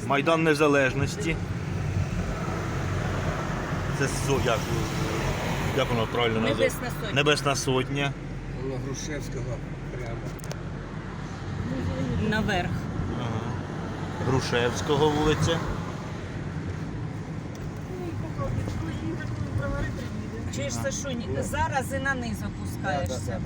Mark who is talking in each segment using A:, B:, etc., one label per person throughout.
A: Майдан Незалежності. Це як воно правильно називається?
B: Небесна Сотня.
A: Небесна Сотня.
C: На Грушевського прямо.
B: Наверх.
A: Ага. Грушевського вулиця.
B: Чуєш, Сашунь, зараз і на низ опускаєшся.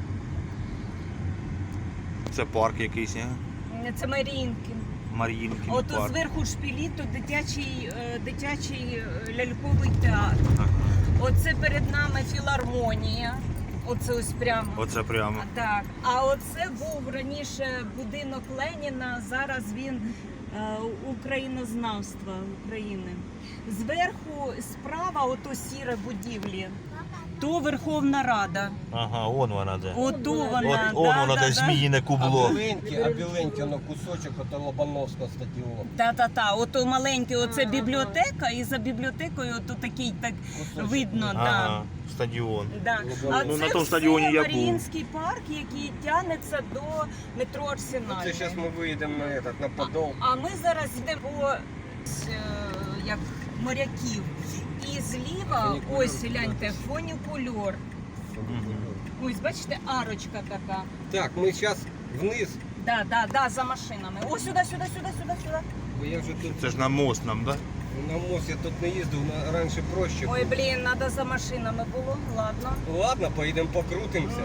A: Це парк якийсь, а?
B: Це Маріїнкін.
A: Мар'їнкін
B: Ото
A: парк.
B: зверху шпилі, то дитячий ляльковий театр.
A: Ага.
B: Оце перед нами філармонія. Оце ось прямо.
A: Оце прямо.
B: Так. А оце був раніше будинок Леніна, зараз він українознавства України. Зверху справа ото сіре будівлі, то Верховна Рада.
A: Ага, вон вона де.
B: Ото вона.
A: Воно де зміїне кубло.
C: А біленьке, на кусочок ото Лобановського стадіону.
B: Та-та-та, ото маленьке, оце бібліотека, і за бібліотекою ото такий так видно.
A: Ага, стадіон.
B: Да.
C: Ну,
B: А
A: на
B: це
A: тому
B: все
A: стадіоні я був.
B: Маріїнський парк, який тягнеться до метро
C: Це
B: Арсенальний.
C: зараз ми виїдемо на Подол.
B: А ми зараз йдемо по як моряків. І зліва,
C: Фунікульор,
B: ось гляньте, фунікульор. Ось, бачите, арочка така.
C: Так, ми зараз вниз,
B: Да, за машинами. Ось сюди.
C: бо я вже тут
A: Це ж на мост нам, так?
C: на мост я тут не їздив, раніше проще.
B: Ой, блін, треба за машинами було, ладно.
C: Ладно, поїдемо покрутимося.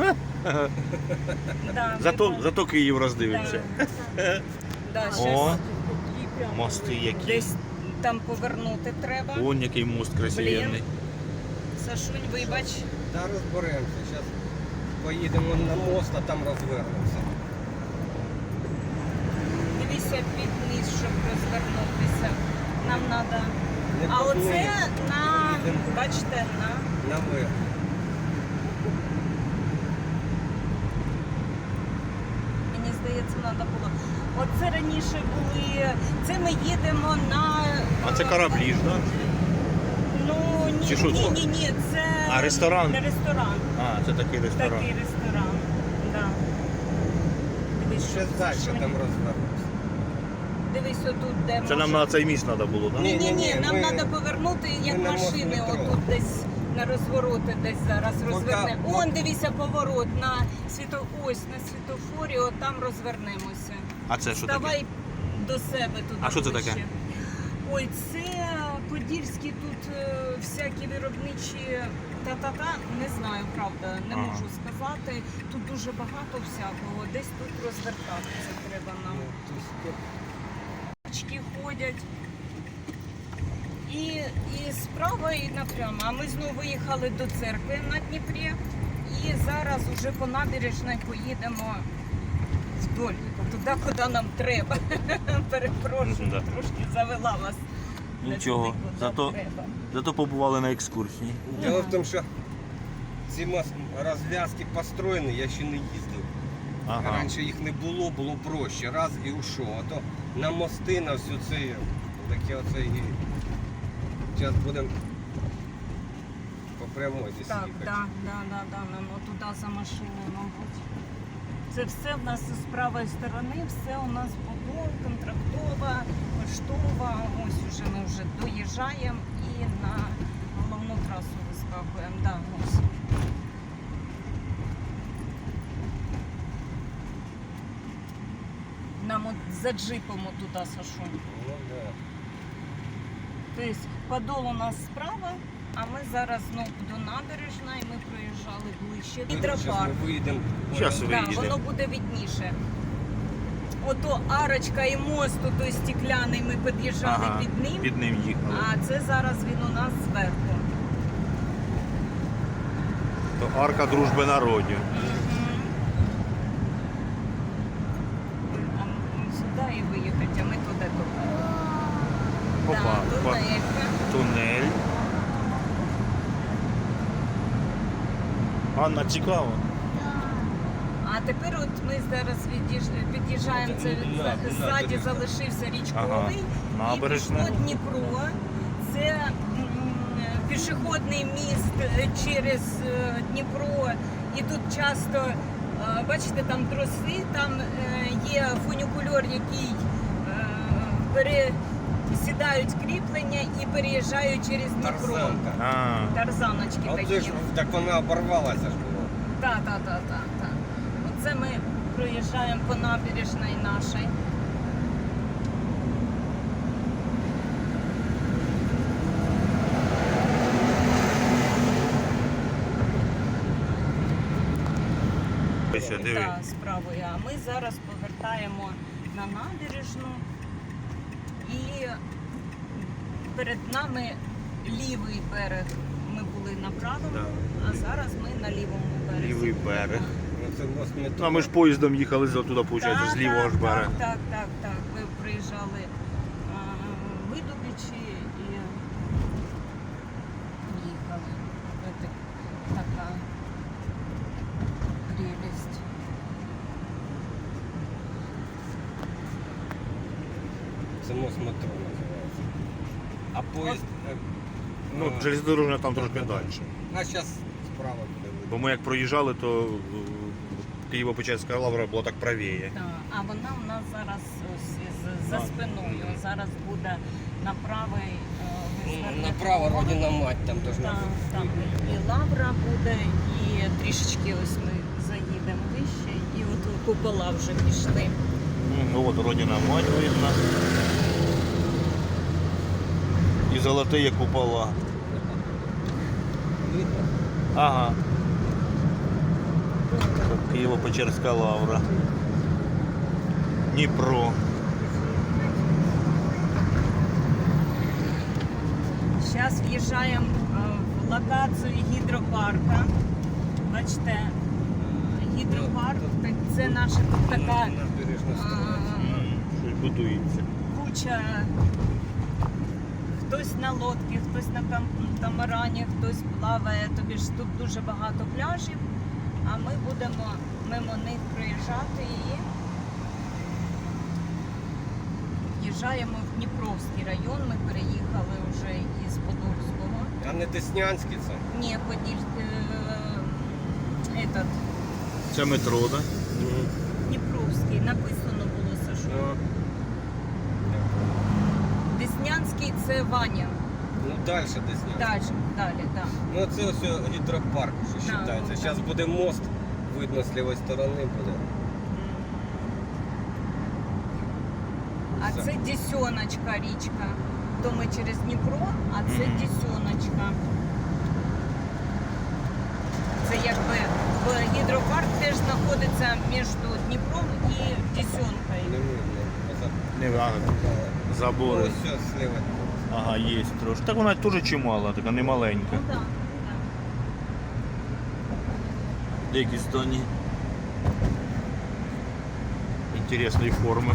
B: Да,
A: Зато Київ роздивимося.
B: Да,
A: О,
B: щас
A: мости які.
B: десь там повернути треба.
A: Вон який мост красивенний.
B: Сашунь, вибач.
C: Та розберемося. Зараз поїдемо на мост, а там розвернемося.
B: Дивися під низ, щоб розвернутися. Нам треба.
C: Не
B: А
C: під
B: оце
C: низ.
B: на,
C: Їдемо
B: бачите, на.
C: наверх.
B: Мені здається, треба було. Оце раніше були. Це ми їдемо на.
A: А це кораблі ж, так?
B: Ну ні,
A: Чи що це?
B: ні, це
A: А, ресторан?
B: Не ресторан.
A: А, це такий ресторан.
B: Такий ресторан. Да. Дивись,
C: Ще
B: що
C: далі
B: Сашунь.
C: там розвернемося.
B: Дивись отут, де
A: Це нам на цей міст треба було, так?
B: Ні,
C: Ні,
B: нам
C: ми-
B: треба повернути, як
C: ми на мост
B: машини,
C: метро.
B: отут десь на розвороти, десь зараз розвернемо.
C: пока-
B: Он, дивися, поворот на ось на світофорі, от там розвернемося.
A: А це що таке?
B: Давай до себе туди.
A: А що це
B: ближче.
A: таке?
B: Ой, це подільські тут всякі виробничі та-та-та, не знаю, правда, не
A: Ага.
B: можу сказати. Тут дуже багато всякого, десь тут розвертатися треба нам. Очки ходять. І справа, і напрямо. А ми знову виїхали до церкви на Дніпрі. І зараз уже по набережній поїдемо вдоль, туди, куди нам треба. Перепрошую,
A: Да.
B: трошки завела вас. не
A: Нічого,
B: туди, куди
A: зато-
B: треба.
A: Зато побували на екскурсії.
C: Дело в тому, що ці розв'язки построєні, я ще не їздив.
A: Ага.
C: Раніше їх не було, було проще. Раз і ушов. А то на мости, на всю цю таке оце і. Зараз будемо по прямой десь
B: Так,
C: їхати.
B: нам туди за машиною, мабуть. Це все в нас з правої сторони, все у нас Подол, Контрактова, Поштова. Ось уже ми вже доїжджаємо і на головну трасу вискакуємо. Да, ось. Нам от за джипом туди, Сашунь.
C: Ну, да.
B: Тобто Подол у нас справа, а ми зараз знову до набережної, ми проїжджали ближче.
C: Зараз
B: Гідропарк.
C: ми виїдемо.
A: Щас
B: Так,
A: виїдемо.
B: воно буде видніше. Ото арочка і мост, той стекляний, ми під'їжджали
A: Ага,
B: під ним,
A: під ним їхали.
B: а це зараз він у нас зверху.
A: То арка дружби народів.
B: А ми сюди і виїхати, а ми туди туди.
A: Опа,
B: Да,
A: опа. Тунель. Анна, цікаво.
B: А тепер от ми зараз під'їжджаємо, це ззаді залишився річковий,
A: Ага, набережна.
B: і пішло Дніпро. Це пішохідний міст через Дніпро, і тут часто, бачите, там троси, там є фунікульор, який сідають кріплення і переїжджають через Дніпро.
C: Тарзанка.
A: А,
B: Тарзаночки
C: А
B: такі.
C: оце ж так вона оборвалася ж була.
B: Так. Оце ми проїжджаємо по набережній нашій.
A: ось диви.
B: Так, справою. А ми зараз повертаємо на набережну і перед нами лівий берег. Ми були на правому,
A: Да.
B: а зараз ми на лівому березі.
A: Лівий берег.
C: Ну, це мост метро.
A: Ну, а ми ж поїздом їхали туди, виходить, з лівого ж берега.
B: Так. Ви приїжджали в Видубичі і їхали. Це така прелість.
C: Це мост метро називається. А поїзд...
A: Ну, железнодорожна там трошки далі.
C: А зараз справа буде видно.
A: Бо ми як проїжджали, то Києво-Печерська лавра була так правіє.
B: Так, а вона у нас зараз ось за
A: А.
B: спиною. Зараз буде на правий
C: Направо Родина мать там должна
B: Там,
C: бути.
B: там і лавра буде, і трішечки ось ми заїдемо вище, і от купола вже пішли.
A: Ну от Родина мать видно. І золоті купола.
C: Видно?
A: Ага. Києво-Печерська лавра. Дніпро.
B: Зараз в'їжджаємо в локацію гідропарка. Бачите, гідропарк це наша тут така
C: Набережна сторона.
A: Щось будується.
B: куча. Хтось на лодці, хтось на камарані, хтось плаває. Тобі ж тут дуже багато пляжів, а ми будемо мимо них проїжджати і в'їжджаємо в Дніпровський район. Ми переїхали вже із Подольського.
C: А не Деснянський це?
B: Ні, этот,
A: Це метро, так?
B: Дніпровський. Написано було, Сашу.
C: Ну,
B: Деснянський це Ваня.
C: ну далі Деснянський.
B: Далі, так.
C: Ну це ось гідропарк, що
B: Да,
C: вважається.
B: да.
C: Зараз буде мост, видно з лівої сторони буде.
B: А
C: Все.
B: це Десеночка річка. То ми через Дніпро, а це
A: Мгм.
B: Десеночка. Це якби гідропарк теж знаходиться між Дніпром і
C: Не
B: Десенкою.
C: видно.
A: Не важко.
C: Ну,
A: Забори.
C: ось все зліва.
A: Ага, є трошки. Так вона теж чимала, така не маленька.
B: Ну так.
A: Деякі здані. Інтересної форми.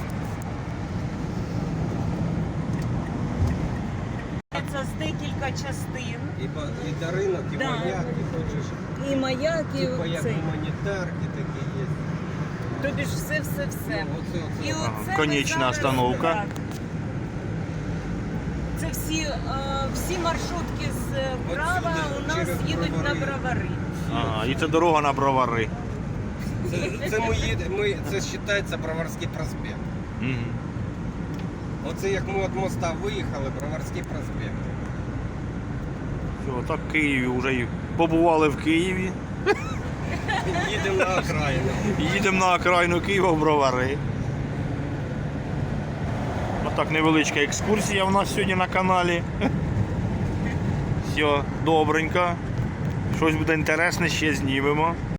B: Це з декілька частин.
C: І даринок, і
B: Да.
C: маяк, і хочеш.
B: І маяк, і
C: Типа як
B: цей.
C: гуманітарки такі є.
B: Тобі ж все.
C: Ну, оце.
B: І
A: Ага,
B: оце ми
A: конечна
B: зараз-
A: остановка.
B: так. Це всі маршрутки справа
C: Отсюди
B: у нас
C: через
B: їдуть на
C: Бровари.
B: Бровари.
A: Ага, і це дорога на Бровари.
C: Це ми їдемо, це вважається Броварський проспект.
A: Угу.
C: Оце як ми від моста виїхали, Броварський проспект.
A: Все, так в Києві вже і побували в Києві.
C: Їдемо на окраїну.
A: Їдемо на окраїну Києва в Бровари. Отак невеличка екскурсія у нас сьогодні на каналі. Все, добренько. Щось буде інтересне, ще знімемо.